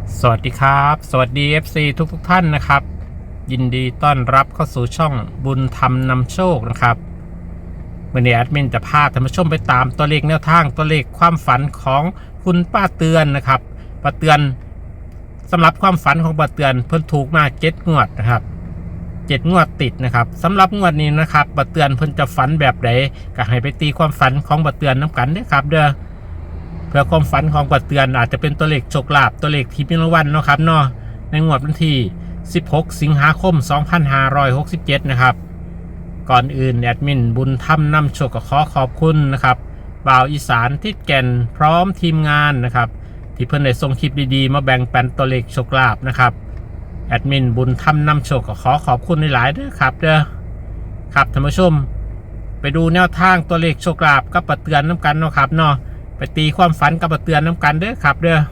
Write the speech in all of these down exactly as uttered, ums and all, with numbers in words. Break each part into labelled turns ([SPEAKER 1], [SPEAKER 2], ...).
[SPEAKER 1] สวัสดีครับสวัสดี เอฟ ซี ทุกทุกท่านนะครับยินดีต้อนรับเข้าสู่ช่องบุญธรรมนำโชคนะครับวันนี้แอดมินจะพาท่านผู้ชมไปตามตัวเลขแนวทางตัวเลขความฝันของคุณป้าเตือนนะครับป้าเตือนสำหรับความฝันของป้าเตือนเพิ่นถูกมาเจ็ดงวดนะครับเจ็ดงวดติดนะครับสำหรับงวดนี้นะครับป้าเตือนเพิ่นจะฝันแบบไหนก็ให้ไปตีความฝันของป้าเตือนน้ำกันด้วยครับเด้อเพื่อความฝันของป้าเตือนอาจจะเป็นตัวเลขโชคลาภตัวเลขที่มีรางวัลเนาะครับเนาะในงวดวันที่สิบหกสิงหาคมสองพันห้าร้อยหกสิบเจ็ดนะครับก่อนอื่นแอดมินบุญธรรมนำโชคก็ขอขอบคุณนะครับบ่าวอีสานทิศแก่นพร้อมทีมงานนะครับที่เพิ่นได้ส่งคลิปดีๆมาแบ่งปันตัวเลขโชคลาภนะครับแอดมินบุญธรรมนำโชคก็ขอขอบคุณหลายๆด้วยครับเด้อครับท่านผู้ชมไปดูแนวทางตัวเลขโชคลาภกับป้าเตือนน้ำกันเนาะครับเนาะไปตีความฝันกับป้าเตือนน้ำกันเด้อครับเด้อ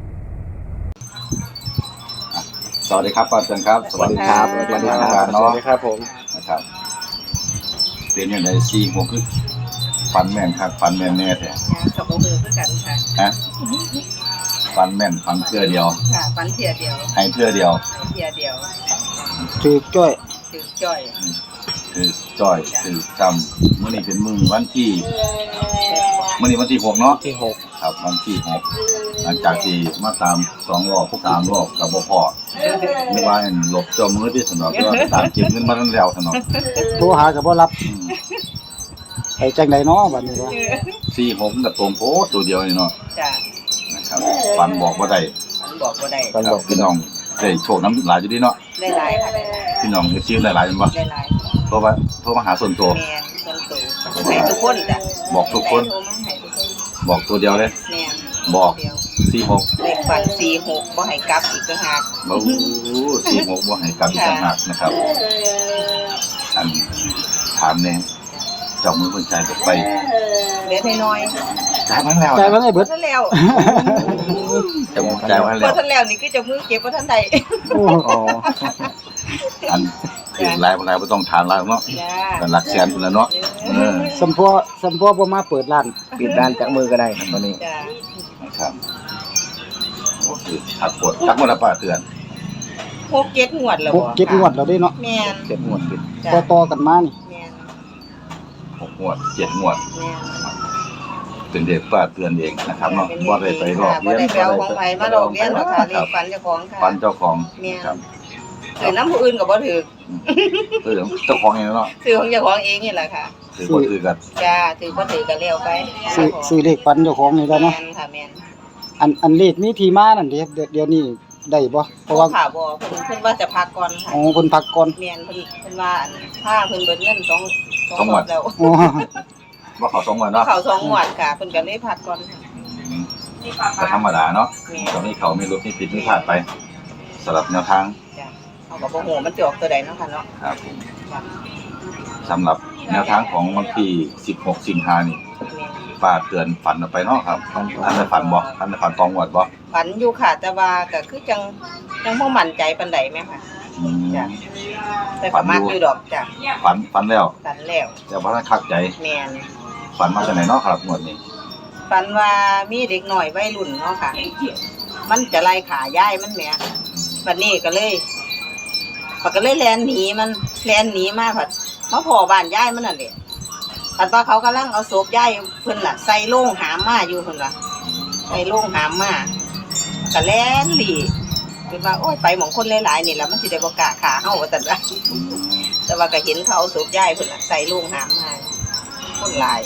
[SPEAKER 2] สวัสดีครับป้าเตือนครับสวัสดีครับสวัสดีครับสวัสดีครับผมนะครับเรียนอย่างไรซีโมคือฟันแม่นครับฟันแม่นแน่แท้
[SPEAKER 3] กับโมเือคือกันค่ะ
[SPEAKER 2] ฮะฟันแม่นฟันเพื่อเดียว
[SPEAKER 3] ค่ะฟันเทียเดียว
[SPEAKER 2] ให้เพื่อเดียว
[SPEAKER 3] เทียเดียว
[SPEAKER 4] ถือจ้อย
[SPEAKER 3] ถือจ้อย
[SPEAKER 2] คือจ้อยคือจำเมื่อนี้เป็นมือวันที่เมื่อนี้วันที่หกเนาะ
[SPEAKER 4] ที่หก
[SPEAKER 2] ครับวันที่หกหลังจากที่มาตามสองรอบพวกตามรอบกับบ่พอไม่ว่าหลบจอมือที่สนองก็ตามเก็บเงินมาทั้งแล้วสนอง
[SPEAKER 4] โทรหากับบ่รับไปจังไดเนาะบัดนี้ว่า
[SPEAKER 2] สี่หกกับตัวโพตัวเดียวนี่เนาะ
[SPEAKER 3] จ้ะ
[SPEAKER 2] นะครับฟันบอกว่าได้
[SPEAKER 3] ฟันบอกว่าได้
[SPEAKER 2] ฟันบอกพี่น้องได้โชคน้ำหลายอยู่ดีเนาะ
[SPEAKER 3] ได้หลายค่ะ
[SPEAKER 2] พี่น้องจะชื่อหลายๆมั้ย
[SPEAKER 3] ได้หลาย
[SPEAKER 2] เพราะว่าโทรมาหาส่วนตัว
[SPEAKER 3] แม่นส่วนตัวให้ทุกคนจ้ะ
[SPEAKER 2] บอกทุกคนบอกตัวเดียวเลย
[SPEAKER 3] แม่น
[SPEAKER 2] บอกสี่หก
[SPEAKER 3] เลขฝันสี่หกบ่ให้กลับอีกต่างหาก
[SPEAKER 2] บ่สี่หกบ่ให้กลับอีกต่างหากนะครับอันถามแน่เจ้ามือคนใจจะไป
[SPEAKER 3] เล็กน้อย
[SPEAKER 2] จ่ายมาแล้ว
[SPEAKER 4] จ่ายมาได้เบิด
[SPEAKER 3] แล้ว
[SPEAKER 2] เจ้ามือจ่ายมาแล้ว
[SPEAKER 3] บ่ทันแล้วนี่คือเจ้ามือเก็บบ่ทันได้
[SPEAKER 2] โอ้อันคือหลายบ่หลายบ่ต้องถามหลายเนาะกันหลักแสนพุ่นแล้วเนาะเออ
[SPEAKER 4] สัมพอสัมพอบ่มาเปิดร้านปิดร้านจากมือก็ได้ตอนนี้
[SPEAKER 3] จ้ะ
[SPEAKER 2] ครับโอ้คือถักปวดจักบ่ล่ะป้าเตือน
[SPEAKER 3] หก เจ็ดงวดแล้วบ่
[SPEAKER 4] หก เจ็ดงวดแล้วเด้เนาะ
[SPEAKER 3] แม่น
[SPEAKER 2] เจ็ดงวดติด
[SPEAKER 4] ต่อๆกันมานี่
[SPEAKER 3] แม่น
[SPEAKER 2] หกงวดเจ็ดงวด
[SPEAKER 3] แม่น
[SPEAKER 2] เป็นเด็กป้าเตือนเองนะครับเนาะบ่ได้ไปรอบเรียน
[SPEAKER 3] บ่ได้ไปเอาของไผมาหลอกเรียนหรอกค่ะเลขฝันเจ้าของค่ะ
[SPEAKER 2] ฝันเจ้าของ
[SPEAKER 3] ครับถือน้ำผู้อื่นก็บ่ถือ
[SPEAKER 2] เออเจ้าของเองเนาะ
[SPEAKER 3] ถือของเจ้าของเองนี่แหละค่ะ
[SPEAKER 2] ถือบ่ถือกัน
[SPEAKER 3] จ้าถือบ่ถือกันแล้วไป
[SPEAKER 4] ซื้อซื้อเลขฝันเจ้าของนี่ได้เนาะ
[SPEAKER 3] แม่นค่ะแม่น
[SPEAKER 4] อันอันเลขมีที่มานั่นเด้เดี๋ยวนี้ได้บ่
[SPEAKER 3] เพราะว่าค่ะบ่เพิ่นเพิ่นว่าจะพักก่อนค่ะ
[SPEAKER 4] อ๋อเพิ่นพักก่อน
[SPEAKER 3] แม่นเพิ่นเพิ่นว่าถ้าเพิ่นเบิดเงินสอง สองงวดแล้ว
[SPEAKER 2] อ๋อบ่เข้าสองงวดเนาะ
[SPEAKER 3] เข้าสองงวดค่ะเพิ่นก็เลยพักก่อน
[SPEAKER 2] ก็ธรรมดาเนาะตอนนี้เขามีรถมีผิดมีพลาดไปสำหรับแนวทาง
[SPEAKER 3] จ้ะเอาก็บ่ฮู้มันสิออกตัวใดเนาะค่ะเนาะ
[SPEAKER 2] ครับสำหรับแนวทางของวันที่สิบหกสิงหาคมนี่ป้าเตือนฝันออกไปเนาะครับท่านได้ฝันบ่ท่านได้ฝันตองวดบ่
[SPEAKER 3] ฝันอยู่ค่ะแต่ว่าก็คือจังยังบ่มั่นใจปานใดแม่ค่ะ
[SPEAKER 2] อืม
[SPEAKER 3] จ้ะแต่ก็มักอยู่ดอกจ้ะ
[SPEAKER 2] ฝันฝันแล้ว
[SPEAKER 3] ฝันแล้ว
[SPEAKER 2] แต่บ่ทันคักใจ
[SPEAKER 3] แม่น
[SPEAKER 2] ฝันมาจากไหนเนาะครับงวดนี้
[SPEAKER 3] ฝันว่ามีเด็กน้อยวัยรุ่นเนาะค่ะมันจะไล่ขายายมันแหมบัดนี้ก็เลยปก็เลยแล่นหนีมันแล่นหนีมาผัดมาพ้อบ้านยายมันนั่นแหละผัดว่าเขากำลังเอาศพยายเพิ่นน่ะใส่โล่งหามมาอยู่เพิ่นว่าใส่โล่งหามมาก็แล่นหลีเพิ่นว่าโอ้ยไปหม่องคนหลายๆนี่ล่ะมันสิได้บ่กล้าฆ่าเฮาว่าซั่นว่าแต่ว่าก็เห็นเขาเอาศพยายเพิ่นน่ะใส่โล่งหามมาคนหลาย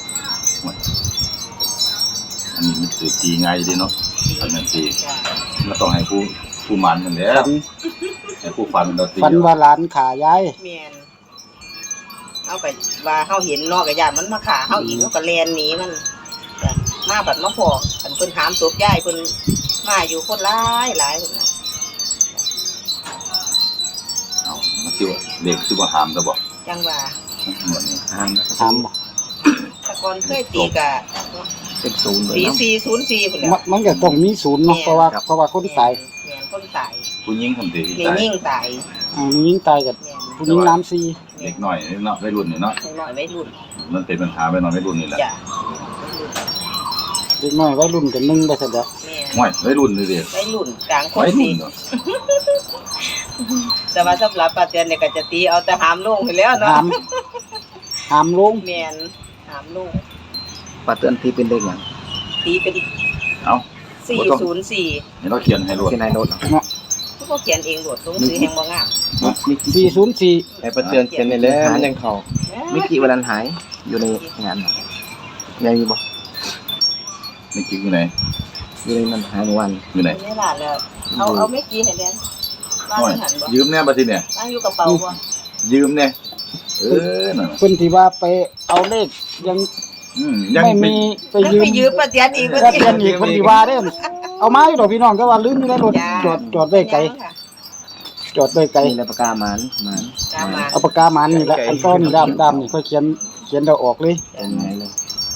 [SPEAKER 2] อันนี้มันคือตีง่ายดีเนาะอันนั้นตีมันต้องให้ผู้ผู้มันนั่นแหละให้ผู้ฟันเราตี
[SPEAKER 4] ฟันว่าหลานขายาย
[SPEAKER 3] แม่นเอาไปว่าเฮาเห็นเนาะก็ย่านมันมาฆ่าเฮาอีกเฮาก็แล่นหนีมันจ้ะมาบัดมาพอคันเพิ่นหามศพยายเพิ่นมาอยู่คนหลายหลายเพิ่นน่ะ
[SPEAKER 2] เอ้ามันสิว่าเด็กสิบ่หามซะบ่
[SPEAKER 3] จังว่า
[SPEAKER 2] หมดนี่
[SPEAKER 4] หามหามบ่
[SPEAKER 3] แต่ก่อนเคยตีก็
[SPEAKER 2] เป็นศูนย์เลย
[SPEAKER 3] เนาะสี่ ศูนย์ สี่พุ่นแหละ
[SPEAKER 4] มันก็ต้องมีศูนย์เนาะเพราะว่าเพราะว่าคนตาย
[SPEAKER 3] แม่นคนตาย
[SPEAKER 2] ผู้หญิงคนที่
[SPEAKER 3] ตายมีหญิงตาย
[SPEAKER 4] อ่ามีหญิงตายกับผู้หญิงน้ำซี
[SPEAKER 2] เด็กน้อยเนาะวัยรุ่นนี่เนาะ
[SPEAKER 3] เด็กน้อยวัยรุ่น
[SPEAKER 2] มันเป็นปัญหาวัยน้อยวัยรุ่นนี่แหละ
[SPEAKER 3] จ้ะ
[SPEAKER 4] เด็กน้อยวัยรุ่นกันนึงไปซะเด้อ
[SPEAKER 3] แม่น
[SPEAKER 2] ห่วยวัยรุ่นเลยดิ
[SPEAKER 3] วัยรุ่นกลางคน
[SPEAKER 2] วัยรุ่
[SPEAKER 3] ดี
[SPEAKER 2] นเนาะ
[SPEAKER 3] แต่ว่าสำหรับป้าเตือนเนี่ยก็จะตีเอาแต่หามลงไปแล้ว
[SPEAKER 4] หา
[SPEAKER 3] เนาะ
[SPEAKER 4] มหามลง
[SPEAKER 3] แม่นหามลง
[SPEAKER 5] ปลาเตือนที่เป็นเด็กอย่าง
[SPEAKER 3] ตีเป็น
[SPEAKER 2] เอ้า
[SPEAKER 3] สี่ศูนย์สี่
[SPEAKER 2] เห็นเราเขียนให้รวด
[SPEAKER 5] ที่นายโน้ต
[SPEAKER 3] ทุกคนเขียนเองโดดลงซื้อแห่งบ่งาม
[SPEAKER 4] สี่ศูนย์สี่
[SPEAKER 5] ไอ้ปลาเตือนเขียนในแล้วมันยังเขามิกิวันนั้นหายอยู่ในงานยังอยู่บ่
[SPEAKER 2] นี่กิ๊กอยู่ไหน
[SPEAKER 5] อยู่ในมันหายเมื่อวัน
[SPEAKER 2] อยู่ไหน
[SPEAKER 3] ไม่ล่ะแล้วเอาเอาไม่กี่ให้แดนว่า
[SPEAKER 2] ห่วย
[SPEAKER 3] สิหันบ่
[SPEAKER 2] ยืมแน่บัดทีเนี่ย
[SPEAKER 3] ตั้งอยู่กระเป๋าบ่
[SPEAKER 2] ยืมเนี่ยเออนั่นน่ะ
[SPEAKER 4] เพิ่นที่ว่าไปเอาเลขยัง
[SPEAKER 2] อืมยัง
[SPEAKER 4] ไม่
[SPEAKER 2] ไม่
[SPEAKER 4] มีไป
[SPEAKER 3] แล้ว
[SPEAKER 4] ยืม
[SPEAKER 3] ไปยืมป้าเตือนอีก
[SPEAKER 4] ก็เตือนอีกคนที่ว่าเด้อเอามาอยู่ดอกพี่น้องก็ว่าลืมอยู่ในรถจอดจอดไว้ไกลจอดไว้ไกล
[SPEAKER 5] นี่ในปากกาหมันหมัน
[SPEAKER 3] ตามมา
[SPEAKER 4] เอาปากกาหมันนี่แหละอันก็นี่ดำดำนี่ค่อยเขียนเขียนเราออกเลย
[SPEAKER 5] เป็นไงเลย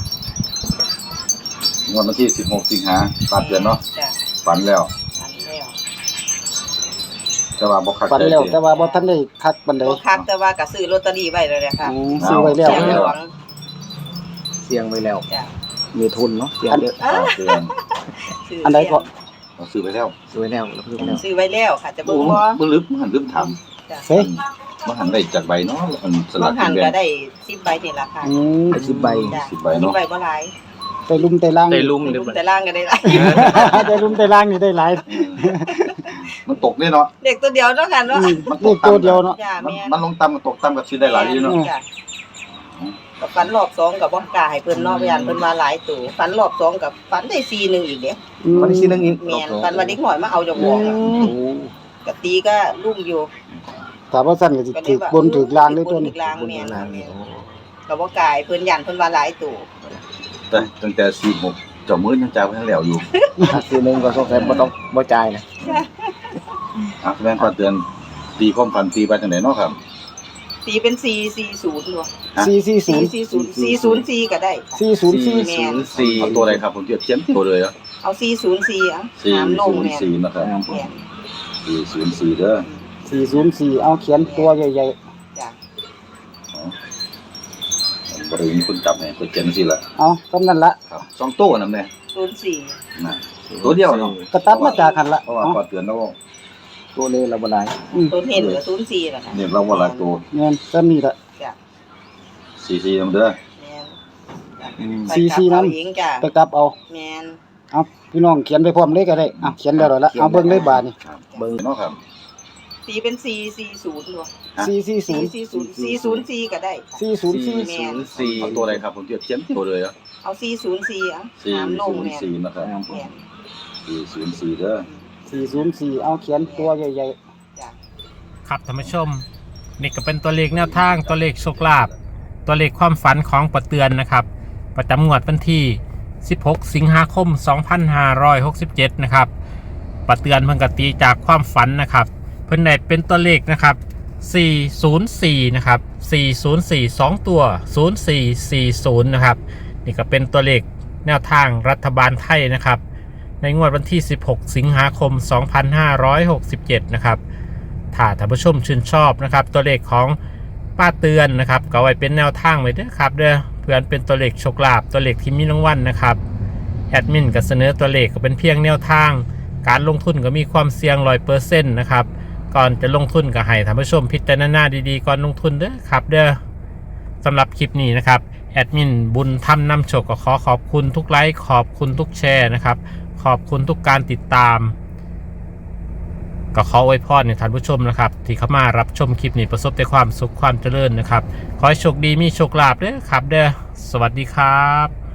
[SPEAKER 2] งวดวันที่สิบหกสิงหาปาดเดือนเนาะ
[SPEAKER 3] จ้ะ
[SPEAKER 2] ฝันแล้ว
[SPEAKER 3] ฝันแล้ว
[SPEAKER 2] แต่ว่าบ่คัก
[SPEAKER 4] ฝัน
[SPEAKER 2] ใจ
[SPEAKER 4] แล้ว
[SPEAKER 2] สิ
[SPEAKER 4] แต่ว่าบ่ทันได้คักปานใด
[SPEAKER 3] บ่คักแต่ว่าก็ซื้อลอตเตอรี่ไว้แล้วแหละค่ะ
[SPEAKER 4] อืมซื้อไว้แล้ว
[SPEAKER 3] เสียงหลวง
[SPEAKER 5] เสียงไว้แล้ว
[SPEAKER 3] จ้ะ
[SPEAKER 5] มีทุนเนาะเสียงเยอะ
[SPEAKER 2] ปาดเดือน
[SPEAKER 3] ซื้
[SPEAKER 4] อันใดก็
[SPEAKER 2] เราซื้อไปแล้ว
[SPEAKER 5] สวยแล้วแล้วเพิ่มแล้ว
[SPEAKER 3] ซื้อไว้แล้วค่ะจะ
[SPEAKER 2] โอ้
[SPEAKER 3] เบิ่งบ่
[SPEAKER 2] บ่ลืมหันลืมถาม
[SPEAKER 4] เฮ้ย
[SPEAKER 2] บ่หันได้จากใบเนาะอันส
[SPEAKER 3] บา
[SPEAKER 2] ลั
[SPEAKER 3] ง
[SPEAKER 2] ก
[SPEAKER 3] หั
[SPEAKER 2] กิ
[SPEAKER 3] น
[SPEAKER 2] นแบ่
[SPEAKER 3] ก็
[SPEAKER 2] ง
[SPEAKER 3] ได้สิบใบนี่ล่ะค่ะ
[SPEAKER 4] อืม
[SPEAKER 5] ไอ้สิบใบ
[SPEAKER 3] จ้ะ
[SPEAKER 2] สิบใบเนาะ
[SPEAKER 3] สิบใบบ่หลาย
[SPEAKER 4] ไปลุมไปล่าง
[SPEAKER 5] ได้ลุ่ม
[SPEAKER 3] ไป
[SPEAKER 5] เรีย
[SPEAKER 3] รุ
[SPEAKER 5] บ
[SPEAKER 3] ม
[SPEAKER 5] ร้อย
[SPEAKER 3] แต่ล่างก็ได้หลาย
[SPEAKER 4] ได้ลุมไปล่างนี่ได้หลาย
[SPEAKER 2] มันตกเนี่ยเนาะ
[SPEAKER 3] เด็กตัวเดียวเนาะค่ะเนาะ
[SPEAKER 4] อืมเลขตัวเดียวเนาะ
[SPEAKER 3] จ้ะ
[SPEAKER 2] มัน
[SPEAKER 3] แม่
[SPEAKER 2] มันลงต่ำกับตกต่ำกับชื่อได้หลายอยู่เนาะ
[SPEAKER 3] จ้ะกับฝันรอบสองกับบ่กล้าให้เพิ่นเนาะพยานเพิ่นมาหลายตัวฝันรอบสองกับฝันได้สี่หนึ่งอีกเด้
[SPEAKER 4] อืม
[SPEAKER 5] วันที่สี่นึงอีก
[SPEAKER 3] แม่นฝันว่าเด็กน้อยมาเอาจาก
[SPEAKER 4] อื
[SPEAKER 3] บ่ออะ
[SPEAKER 4] ม
[SPEAKER 5] โอ้
[SPEAKER 3] กะตีก็ลุ่มอยู่
[SPEAKER 4] ถามว่าสั้นก็สิถือบนถือล่างด้วยตัวนี้
[SPEAKER 3] ถือล่าง
[SPEAKER 5] บน
[SPEAKER 3] แม่น
[SPEAKER 5] นางนี่โอ้
[SPEAKER 3] ก็บ่กล้าให้เพิ่นยันเพิ่นว่าหลายตัว
[SPEAKER 2] แต่ตั้งแต่สี่หกเจ้ามือยังจ่ายไปทั้งแล้วอยู่
[SPEAKER 5] ถ้าสี่นึงก็สงสัยบ่ต้องบ่จ่ายนะ
[SPEAKER 2] อ่ะแม่นปาดเดือนตีความฝันตีไปจังไหนเนาะครับ
[SPEAKER 3] ตีเป็นสี่สี่ศูนย์บ่
[SPEAKER 4] สี่สี่ศู
[SPEAKER 3] สี่
[SPEAKER 4] นย์
[SPEAKER 3] สี่ศูนย์สี่ศูนย์สี่ก็ได้
[SPEAKER 4] สี่ศูนย์สี่
[SPEAKER 3] แม่น
[SPEAKER 2] สี่เอาตัวอะไรครับผมเทียบเทียมตัวเลยอ่ะ
[SPEAKER 3] เอาสี่ศูนย์สี่อ่ะ
[SPEAKER 2] สี่
[SPEAKER 3] น้ำล
[SPEAKER 2] ศู
[SPEAKER 3] ง
[SPEAKER 2] นย์
[SPEAKER 3] แม่น
[SPEAKER 2] สี่นะครับ
[SPEAKER 3] แม่น
[SPEAKER 2] สี่ศูนย์สี่เด้อ
[SPEAKER 4] สี่ศูนย์สี่เอาเขียนตัวใหญ่
[SPEAKER 3] จ้ะ
[SPEAKER 2] บริเวณคุณจับเนี่ยตัวเจนสิละ
[SPEAKER 4] ๆเอากำนั่นละ
[SPEAKER 2] ครับสองโต้นั่นแหละ
[SPEAKER 3] ศูนย์สี่
[SPEAKER 2] นะตัวเดียวเนาะ
[SPEAKER 4] กระตัดมาจากหันละ
[SPEAKER 2] เพราะว่า
[SPEAKER 4] เอา
[SPEAKER 2] ปาดเดือนแล้ว
[SPEAKER 5] ตัวเลยเราบ่ได้
[SPEAKER 4] อืม
[SPEAKER 3] ตัวเห็นก็ศูนย์สี่ล่ะค่ะ
[SPEAKER 2] เนี่ยเราว่าหลายตัว
[SPEAKER 4] เงินก็มีละ
[SPEAKER 3] จ้ะ
[SPEAKER 2] สี่สี่นำเด้อ
[SPEAKER 3] แม่น
[SPEAKER 5] อืม
[SPEAKER 3] ไป
[SPEAKER 4] สี่
[SPEAKER 3] กลับ
[SPEAKER 4] สี่นั้น
[SPEAKER 3] เอาเองจ้ะ
[SPEAKER 4] ไปกลับเอา
[SPEAKER 3] แม่น
[SPEAKER 4] เอาพี่น้องเขียนไปพร้อมเลยก็ได้เอาเขียนแล้วละเอาเบิ่งเลยบาทนี่
[SPEAKER 2] ครับเบิ่งเนาะครับ
[SPEAKER 3] ตีเป็นสี่สี่ศูนย์บ่
[SPEAKER 4] สี่สี่ศู
[SPEAKER 3] สี่
[SPEAKER 4] นย์
[SPEAKER 3] สี่ศูนย์สี่ศูนย์สี่ก็ได้ค่ะ
[SPEAKER 4] สี่ศูนย์สี่
[SPEAKER 3] แม่น
[SPEAKER 2] สี่เอาตัวอะไรครับผมเทียบเทียมตัวเลยอ่ะ
[SPEAKER 3] เอาสี่ศูนย์สี่อ่ะ
[SPEAKER 2] สี่
[SPEAKER 3] น้ำล
[SPEAKER 2] ศู
[SPEAKER 3] ง
[SPEAKER 2] นย์
[SPEAKER 3] แม่น
[SPEAKER 2] สี่นะครับ
[SPEAKER 3] แม่น
[SPEAKER 2] สี่ศูนย์สี่เด้อ
[SPEAKER 4] สี่ศูนย์สี่เอาเขียนตัวใหญ่
[SPEAKER 3] จ้ะ
[SPEAKER 1] ครับท่านผู้ชมนี่ก็เป็นตัวเลขแนวทางตัวเลขโชคลาภตัวเลขความฝันของปะเตือนนะครับ ประจำงวดวันที่สิบหกสิงหาคมสองพันห้าร้อยหกสิบเจ็ดนะครับปะเตือนเพิ่งกตีจากความฝันนะครับ เพิ่นได้เป็นตัวเลขนะครับสี่ศูนย์สี่นะครับสี่ศูนย์สี่ สองตัวศูนย์สี่สี่ศูนย์นะครับนี่ก็เป็นตัวเลขแนวทางรัฐบาลไทยนะครับในงวดวันที่สิบหกสิงหาคมสองพันห้าร้อยหกสิบเจ็ดนะครับถ้าท่านผู้ชมชื่นชอบนะครับตัวเลขของป้าเตือนนะครับก็ไว้เป็นแนวทางไว้เด้อครับเด้อเพื่อนเป็นตัวเลขโชคลาภตัวเลขที่มีรางวัลนะครับแอดมินก็เสนอตัวเลขก็เป็นเพียงแนวทางการลงทุนก็มีความเสี่ยงร้อยเปอร์เซ็นต์นะครับก่อนจะลงทุนก็ให้ท่านผู้ชมพิจารณาดีๆก่อนลงทุนเด้อครับเด้อสำหรับคลิปนี้นะครับแอดมินบุญทำนำโชคก็ขอขอบคุณทุกไลค์ขอบคุณทุกแชร์นะครับขอบคุณทุกการติดตามก็ขออวยพรในท่านผู้ชมนะครับที่เข้ามารับชมคลิปนี้ประสบแต่ความสุขความเจริญนะครับขอให้โชคดีมีโชคลาภเด้อครับเด้อสวัสดีครับ